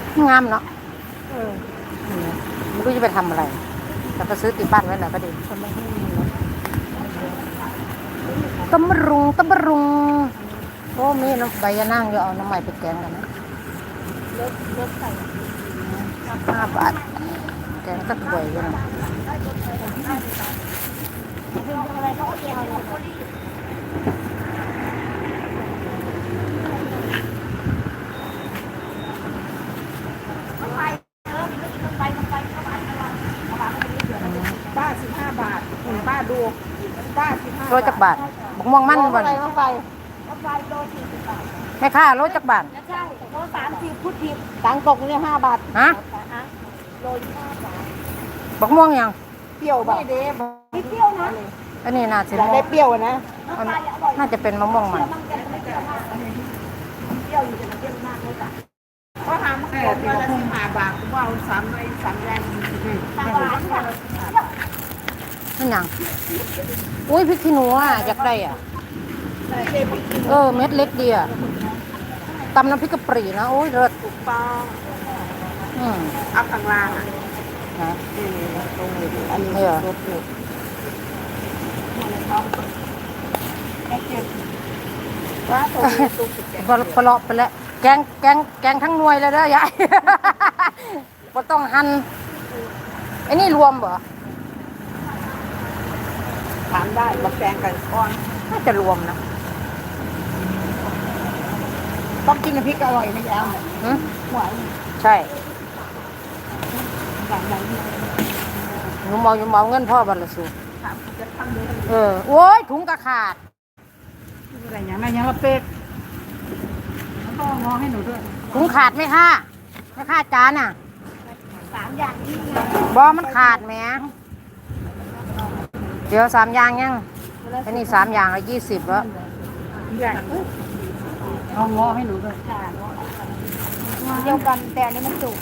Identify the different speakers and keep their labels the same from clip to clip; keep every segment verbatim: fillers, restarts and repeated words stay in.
Speaker 1: งามเนาะ
Speaker 2: เออ
Speaker 1: ไม่รู้จะไปทำอะไรแต่ไปซื้อติดบ้านไว้หน่อยก็ดี
Speaker 2: ทำไมให้มี
Speaker 1: ตำรุงตำรุงโอ้มีน้ำใบยะนางเดี๋ยวเอาน้ำใหม่ไปแกงกันนะ
Speaker 2: รถรถใส่
Speaker 1: ห้าบาทแกงก็ถ้วยกันนะ
Speaker 2: อะไรเขาเอาเกี่ยวป้าสิบห้าบาทคุณป้าดูป้าสิบห้า
Speaker 1: โลจักบาทบักม่วงมันบ่
Speaker 2: อะไร
Speaker 1: น
Speaker 2: มาไฟมาไฟโลสี่สิบบาท
Speaker 1: แม่ค้าโลจักบาท
Speaker 2: ใช่โลสามสิบพูดผิดตังตกเนี่ยห้าบาท
Speaker 1: ฮะ
Speaker 2: โลยี่ห้าบาท
Speaker 1: บักม่วงยัง
Speaker 2: เปรี้ยวแบบไม่เปรี้ยวนะ
Speaker 1: อันนี้น่าจะ
Speaker 2: อยากได้เปรี้ยวนะ
Speaker 1: น่าจะเป็นมะม่วงมัน
Speaker 2: ก็หามาก่อนมาละสิบห้าบาทกูว่าสามใบสามแรงสามบาทค่ะ
Speaker 1: นี่ยังอุ้ยพริกขี้หนูอ่ะอยากได้อ่ะเออเม็ดเล็กดีอ่ะตำน้ำพริกกะปรีนะโอ้ยเลิศ
Speaker 2: ถูกต้อง
Speaker 1: อืม
Speaker 2: เอาข้างล่างอ่ะ
Speaker 1: นะ
Speaker 2: นี่ตรงนี้อันนี้รถอยู่แค่เจ็บว่าตรงนี้ตู้สุดแก่
Speaker 1: พอพอเลาะไปแล้วแกงแกงแกงทั้งหน่วยเลยเด้อยายบ่ต้องหั่นไอ้นี่รวมเหรอ
Speaker 2: ถามได้บักแตงกันก้อน
Speaker 1: น่าจะรวมนะ
Speaker 2: ต้องกินน้ำพริกอร่อยนะยาว
Speaker 1: หืม
Speaker 2: หวาน
Speaker 1: ใช่
Speaker 2: หวานหวาน
Speaker 1: หนูเมาหนูเมาเงินพ่อบัลลัสู
Speaker 2: ถามจะทำดู
Speaker 1: เออโอ้ยถุงกระขาด
Speaker 2: อะไรอย่างนั้นยังละเป็ดแล้วก็งอให้หนูด้วย
Speaker 1: ถุงขาดไหมค่ะไม่ค่าจานอ่ะ
Speaker 2: สามอย่างนี้
Speaker 1: บอมันขาดแหมเดี๋ยวสามอย่างยังอันนี้สามอย่างละยี่สิบแล้ว
Speaker 2: อย่างเอางอให้หนูด้วยเดียวกันแต่อันนี้มันจุก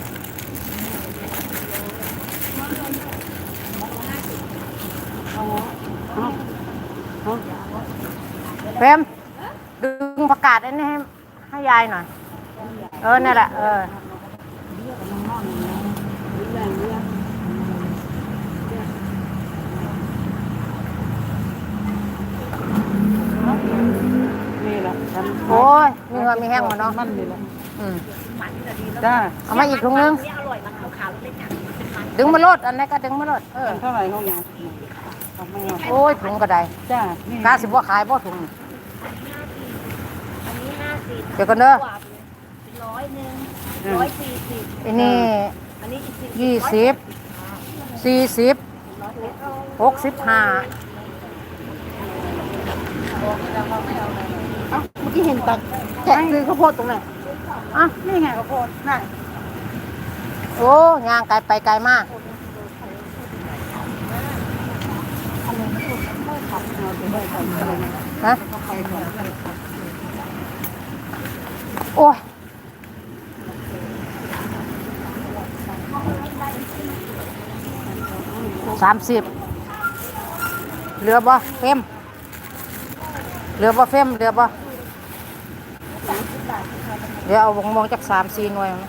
Speaker 1: เฟมดึงประกาศอันนี้ให้ให้ยายหน่อยเออนี่แหละเออ
Speaker 2: นี่แหละ
Speaker 1: โอ้ยมีเงินมีแห้งหมดเนาะ
Speaker 2: มันนี่แหละ
Speaker 1: อืม
Speaker 2: จ้า
Speaker 1: เอามาอีกถุงนึงดึงมาโลดอันนี้ก็ดึงมาโลดเออ
Speaker 2: เท่าไหร่ห้องนี้
Speaker 1: โอ้ยถุงก็ได้
Speaker 2: จ้าก
Speaker 1: ล้าสิบว่าขายบ่ถุงเดี๋ยวกันเด้อ
Speaker 2: ร้อยหนึ่งร้อยสี่สิบ
Speaker 1: อันนี้ยี่สิบสี่สิบหกสิบห้า
Speaker 2: เอ้าเมื่อกี้เห็นตักแกะคือข้าวโพดตรงไหน
Speaker 1: อ่ะ
Speaker 2: นี่ไงข้าวโพดนั่น
Speaker 1: โอ้ยางไกลไปไกลมากฮะโอ้ยสามสิบเหลือบ่เฟมเหลือบ่เฟมเหลือบ่เดี๋ยวเอาวงมองจากสามสี่หน่วย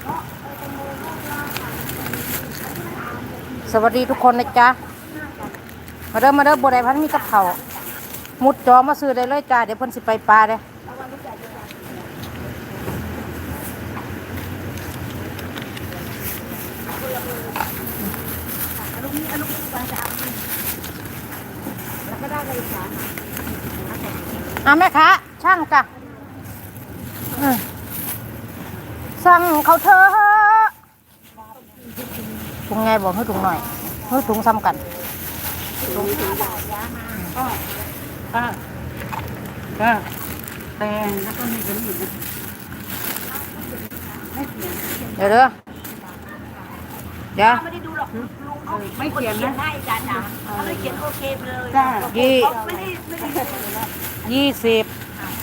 Speaker 1: สวัสดีทุกคนนะจ๊ะมาเริ่มมาเริ่มบัวใดพันมีกับเขามุดจอมาซื้อได้เลยจ้าเดี๋ยวเพิ่นสิไปปลาเด้อ่ะแม่ค้าช่างจ้ะสั่งเขาเธอถุงไงบอกให้ถุงหน่อยให้ถุงซ้ำกัน
Speaker 2: ถุงถุงก็ก็ก็แตงแล้วก็มีกันอีกนะ
Speaker 1: เดี๋ยวเด้อเดี๋ยว
Speaker 2: ไม่ได้ดูหรอกไม่เขียนนะ
Speaker 3: ได้จ้าจ้าเขาเลยเขียนโอเคเลย
Speaker 2: จ้า
Speaker 1: ยี่
Speaker 3: ไม่ได้ไม่ได้
Speaker 1: ยี่สิบ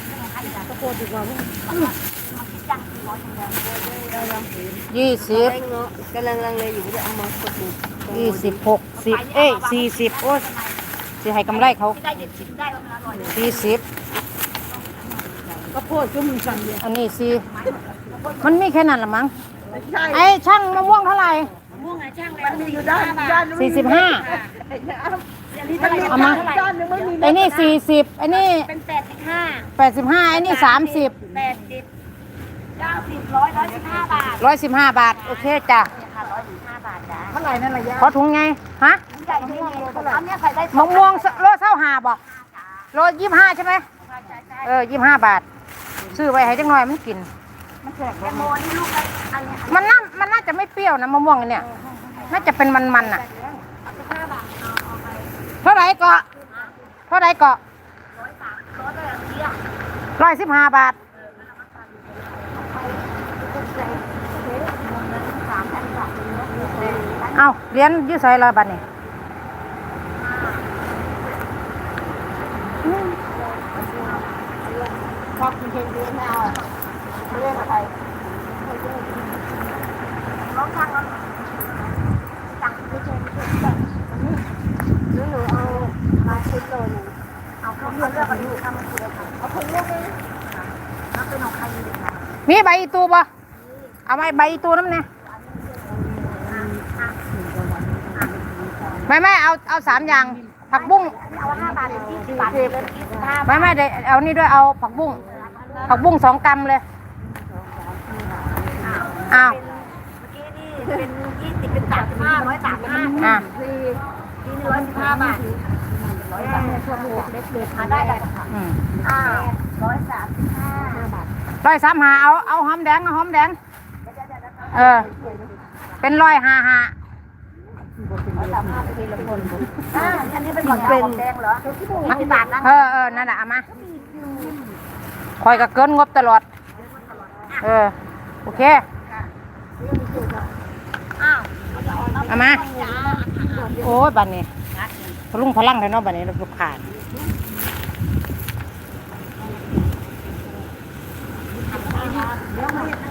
Speaker 1: ยี่สิบ
Speaker 2: กำลังลังเลยอยู่จะเอามาสด
Speaker 1: ยี่สิบหกสิบเอ้ยสี่สิบโอ้ยสิให้กำไรเขา
Speaker 3: ได้เด็ดชิมได้แล้วมันอร่อยเลย
Speaker 1: สี่สิบ
Speaker 2: ก็โพดก็มึงสั่งเดียว
Speaker 1: อันนี้สี่มันมีแค่นั้นละมั้ง
Speaker 2: ใช่
Speaker 1: ไอ้ช่างมะม่วงเท่าไหร่
Speaker 3: ม่วงไงช่างเลย
Speaker 2: มันมีอยู่ด้านด้านนึง
Speaker 1: สี่สิบห้า
Speaker 3: อันนี้เท่าไหร่
Speaker 1: เอามา
Speaker 2: ด้านนึงไม่มี
Speaker 1: ไอ้นี่สี่สิบไอ้นี่
Speaker 3: เป็นแปดสิบห้า
Speaker 1: แปดสิบห้าไอ้นี่สามสิบ
Speaker 3: แปดสิบเก้าสิบร้อยร้อยสิบห้าบาท
Speaker 1: ร้อยสิบห้าบาท โอเคจ้ะ
Speaker 3: เนี่ยค่ะร้อยสิบห้าบาทจ้ะ
Speaker 2: เท่าไหร่นั่นระยะ
Speaker 1: ขอถุงไง ฮะ
Speaker 3: ใหญ่ไม่มีอันเนี้ยใส่ได้
Speaker 1: มะม่วงโลเท่าหาบอกโลยี่ห้าใช่ไหม เออยี่ห้าบาท ซื้อไว้ให้จังหน่อยมันกิน
Speaker 3: มันแข็งแตงโมนี่ลูกละอันเนี้ย
Speaker 1: มันน่ามันน่าจะไม่เปรี้ยวนะมะม่วงอันเนี่ย น่าจะเป็นมันๆอ่ะ
Speaker 3: สิบห้าบาทเอาเอาไป
Speaker 1: เท่าไหร่เกาะเท่าไหร่เกาะ
Speaker 3: ร้อยสามร้อยเลยอันนี้อ่ะ
Speaker 1: ร้อยสิบห้าบาท
Speaker 3: สามพันบาท
Speaker 1: เอาเหรียญอยืดใส่ละบาทนี่
Speaker 2: พอคุณเชนเดือนไม่เอาไม่เล่นอะไร
Speaker 3: ร้องทางเราสั่งไปเชิญไปเชิญหรือหนูเอามาชุดโลนึงเอาเขาเลือกเลือกกันอยู่ทำมันคือเอาคนเลือกเลยเอาเป็นของใครดีคะ
Speaker 1: มีใบอีตูปะเอาใบใบอีตูน้ำเนี่ยไม่ไม่เอาเอาสามอย่าง ผักบุ้ง
Speaker 3: เอาห้าบาทเป็นยี่สิบบาทเลยยี่สิบห้า
Speaker 1: ไม่ไม่เดี๋ยวเอานี่ด้วยเอาผักบุ้ง ผักบุ้งสองกรัมเลยอ้าว
Speaker 3: เมื่อกี้นี่เป็นยี่สิบเป็นสามสิบห้าร้อยสามสิบห้า
Speaker 1: อ่ะ
Speaker 3: สี่นี่ร้อยสิบห้าบาทร้อยสามสิบห้าบวกเล็กเล็กมาได้เลยค่ะ
Speaker 1: อืม
Speaker 3: อ่าร้อยสามสิบห้าบาท
Speaker 1: ร้อยสามหาเอาเอาหอมแดงเอาหอมแดง เออ เป็นร้อยห้าห้า
Speaker 3: อ่าอันนี้เป็นของเป็นแดงเหรอยี่สิบบาทนะ
Speaker 1: เออเออนั่นแหละเอามาคอยกับเกินงบตลอด เออ โอเค
Speaker 3: อ้าว
Speaker 1: เอามา โอ้ยบันนี้พลุงพลังเลยเนาะบันนี้ลูกขาด
Speaker 3: เดี๋ยวมา